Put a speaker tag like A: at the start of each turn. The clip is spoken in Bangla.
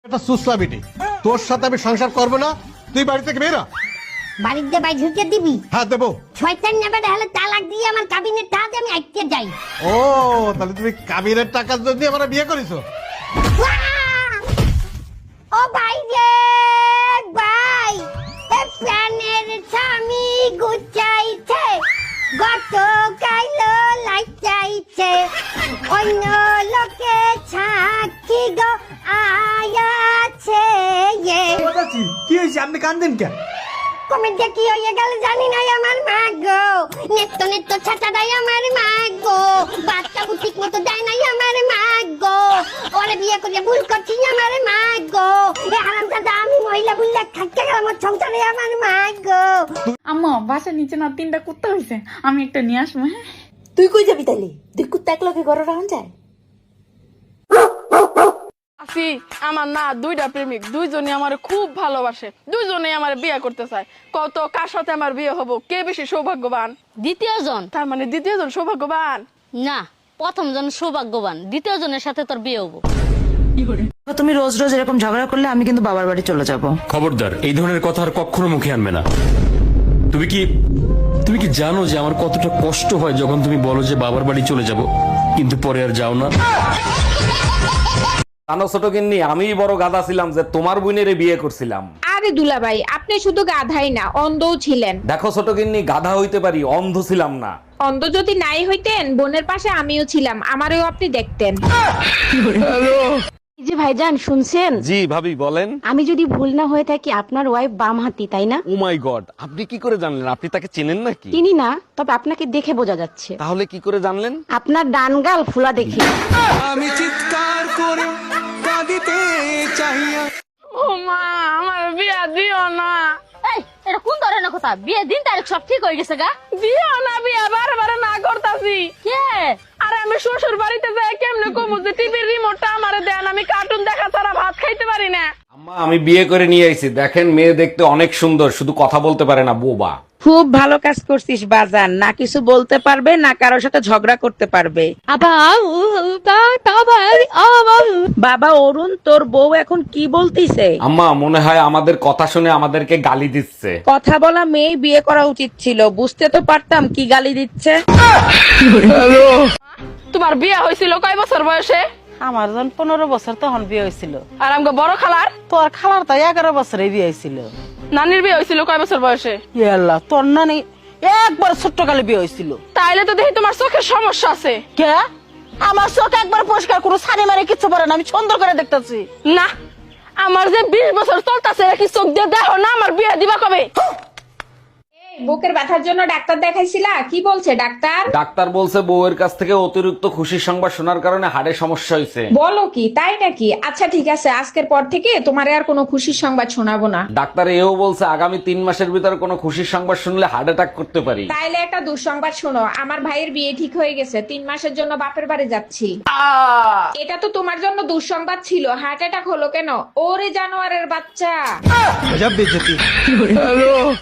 A: একটা সুসলা বেটি, তোর সাথে আমি সংসার করবো না। তুই বাড়ি থেকে বেরা।
B: বাড়িতে বাই ঢুকে দিবি?
A: হ্যাঁ দেবো।
B: শয়তান নেবে হলে তালাক দিয়ে আমার কাবিনের টাকা আমি আইতে যাই।
A: ও তাহলে তুমি কাবিনের টাকা দিয়ে আমার বিয়ে করেছো?
B: ও ভাই রে ভাই, এ প্রাণের স্বামী গুচাইছে, গত কাইলো লাইচাইছে, অন্য লোকে সাক্ষী গো আয়াছে।
C: কি হয়েছে, আপনি কান্দেন কেন?
B: কমেন্টে কি হয়ে গেল জানি না আমার মা গো, নেত্য নেত্য ছাতা দেয় আমার মা গো, বাচ্চা ঠিক মতো দেয় নাই আমার মা গো, ওরে বিয়ে করে ভুল করছি আমার মা গো, এ হারাম দাদা আমি মহিলা বুল্লা থাকতে গেলাম ওর সংসারে আমার মা গো।
D: আম্মা বাসার নিচে না 3টা কুত্তা হয়েছে, আমি একটা নিয়ে আসবো। হ্যাঁ
E: তুই কই যাবি তাইলে? তুই কুত্তা একলগে ঘরে রাখা যায়?
F: আসি আমার না 2টা প্রেমিক, দুইজনে আমার খুব ভালোবাসে, দুইজনে আমার বিয়ে করতে চায়। কত কার সাথে আমার বিয়ে হবো, কে বেশি সৌভাগ্যবান?
G: দ্বিতীয় জন?
F: তার মানে দ্বিতীয় জন সৌভাগ্যবান
G: না, প্রথম জন সৌভাগ্যবান, দ্বিতীয় জনের সাথে তোর বিয়ে হবো।
E: তুমি রোজ রোজ এরকম ঝগড়া করলে আমি কিন্তু বাবার বাড়ি চলে যাব।
H: খবরদার, এই ধরনের কথা আর কখনো মুখে আনবে না। তুমি কি জানো যে আমার কতটা কষ্ট হয় যখন তুমি বলো যে বাবার বাড়ি চলে যাব, কিন্তু পরে আর যাও না?
I: জানো ছোট গিন্নি, আমিই বড় গাধা ছিলাম যে তোমার বোনের বিয়ে করছিলাম।
J: আরে দুলাভাই, আপনি শুধু গাধাই না অন্ধও ছিলেন।
I: দেখো ছোট গিন্নি, গাধা হইতে পারি, অন্ধ ছিলাম না।
J: অন্ধ যদি নাই হইতেন, বোনের পাশে আমিও ছিলাম, আমারও আপনি দেখতেন।
G: জি ভাইজান শুনছেন?
I: জি ভাবি বলেন।
G: আমি যদি ভুল না হয়ে থাকি আপনার ওয়াইফ বাম হাতি, তাই না?
I: ও মাই গড, আপনি কি করে জানলেন? আপনি তাকে চেনেন নাকি?
G: চিনি না, তবে আপনাকে দেখে বোঝা যাচ্ছে।
I: তাহলে কি করে জানলেন?
G: আপনার ডান গাল ফুলা দেখি।
C: আমি চিৎকার করে কাঁদিতে চাইয়া।
F: ও মা, আমার বিয়া দিও না।
G: এই এটা কোন ধরনের কথা? বিয়ে দিন তারিখ সব ঠিক হয়ে গেছে গা।
F: দিও না বিয়া, বারে না করতাছি।
G: কে?
F: আরে আমি শ্বশুর বাড়িতে যাই কেমনে কমু যে টিভির রিমোটটা আমারে দেন, আমি কার্টুন দেখা ছাড়া ভাত খাইতে পারি না।
I: আম্মা, আমি বিয়ে করে নিয়ে আইছি, দেখেন মেয়ে দেখতে অনেক সুন্দর, শুধু কথা বলতে পারে না, বোবা।
J: খুব ভালো কাজ করছিস বাজান, না কিছু বলতে পারবে না কারোর সাথে ঝগড়া করতে পারবে। বাবা অরুণ, তোর বউ এখন কি বলতিছে?
I: আম্মা, মনে হয় আমাদের কথা শুনে আমাদেরকে গালি দিচ্ছে।
J: কথা বলা মেয়ে বিয়ে করা উচিত ছিল, বুঝতে তো পারতাম কি গালি দিচ্ছে।
F: তোমার বিয়া হয়েছিল কয় বছর বয়সে?
E: আমার যখন 15 বছর তখন বিয়ে হয়েছিল।
F: আর আমাকে বড় খালার?
E: তোর খালার তো 11 বছরে বিয়ে হয়েছিল।
F: নানির বিয়ে হয়েছিল কয় বছর বয়সে?
E: আল্লাহ, তোর নানি একবার ছোট্ট কালে বিয়ে হয়েছিল।
F: তাইলে তো দেখি তোমার চোখের সমস্যা আছে।
E: কে? আমার চোখ একবার পরিষ্কার, কোনো ছানি মারে কিচ্ছু পারে না, আমি সুন্দর করে দেখতেছি।
F: না, আমার যে 20 বছর চলতেছে, কি চোখ দিয়ে দেখো না? আমার বিয়ে দিবা কবে?
J: বুকের ব্যথার জন্য ডাক্তার দেখাইছিলা? কি বলছে ডাক্তার?
I: ডাক্তার বলছে বউয়ের কাছ থেকে অতিরিক্ত খুশির সংবাদ শোনার কারণে হাড়ে সমস্যা হয়েছে।
J: বলো কি, তাই নাকি? আচ্ছা ঠিক আছে, আজকের পর থেকে তোমার আর কোনো খুশির সংবাদ শোনাবো না।
I: ডাক্তার এও বলছে আগামী 3 মাসের ভিতরে কোনো খুশির সংবাদ শুনলে হার্ট অ্যাটাক করতে পারি।
J: তাইলে একটা দুঃসংবাদ শোনো, আমার ভাইয়ের বিয়ে ঠিক হয়ে গেছে, 3 মাসের জন্য বাপের বাড়ি যাচ্ছি। এটা তো তোমার জন্য দুঃসংবাদ ছিল, হার্ট অ্যাটাক হলো কেন? ওরে জানোয়ারের বাচ্চা।